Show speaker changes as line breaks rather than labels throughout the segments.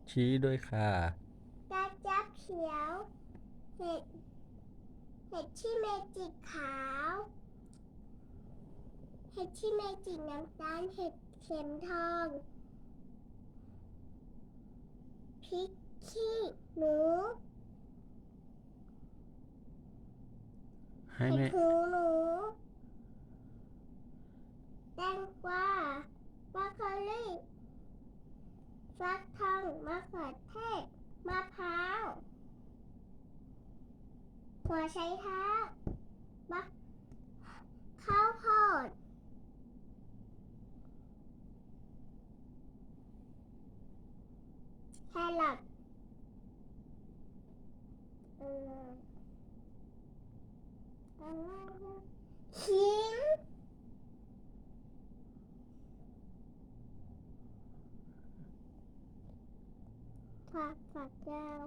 ชี้ด้วยค่ะ
กระจับเขียวเห็ดที่เมจิกขาวเห็ดที่เมจิกน้ำตาลเห็ดเข็มทองพริกขี้หนู
ให้
เห็ด
แม่
หูหนูแตงกวาบรอกโคลีฟักทองมะเขือเทศมะพร้าวหัวไชเท้าข้าวโพดแครอทเออขิงฝักยาว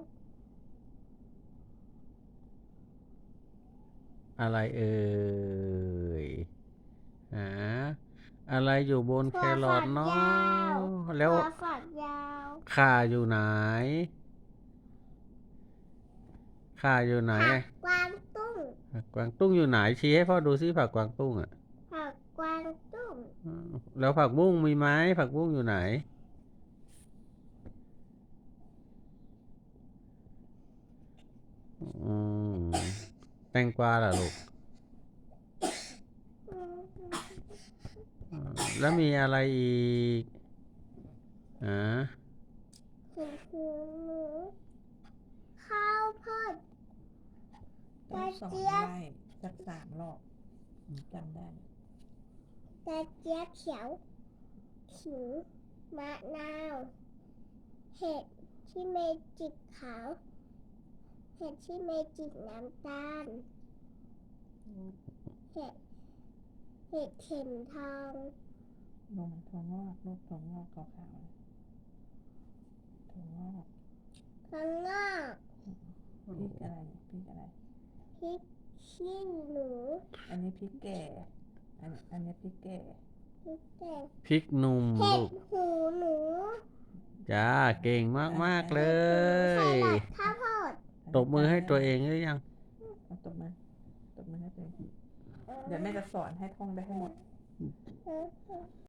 อะไรเอ่ยหาอะไรอยู่บนแค
ถั่ว
รอ
ฝัก
ทเนา
ยาว
ะแล้ว
ถั่วฝักยาว
ข่าอยู่ไหนข่าอยู่ไหน
ผักกวางตุ้ง
ผักกวางตุ้งอยู่ไหนชี้ให้พ่อดูซิผักกวางตุ้งอ่ะ
ผักกวางตุ้ง
แล้วผักบุ้งมีไหมผักบุ้งอยู่ไหนอืมแตงกวาล่ะลูกแล้วมีอะไรอีกอ่า
เห็ดหูหนูข้าวโพดก
ต้อ
ระ
งสอน
เจี๊ยบ
ไล่สัก3 รอบจำได้
กระเจี๊ยบเขียวขิงมะนาวเห็ดที่เมจิกขาวเห็ดที่เมจิกน้ำตาลเห็ดเข็มทอง
ลงถั่วงอกลูกถั่วงอกขาวๆถั่วงอก
ข้างนอก
พริกอะไรพริกอะไร
พริกขี้หนู
อันนี้พริกแก่อันนี้พริกแก่
พริกแดง
พริกหนุ่ม
เห็
ลู
ด
ก
หูหนู
จ้าเก่งมากๆเล
แค
ย
รอทข้าวโพด
ตบมือให้ตัวเองหรือยัง
เอาตบมือให้ตัวเองเดี๋ยวแม่จะสอนให้ท่องได้ให้หมด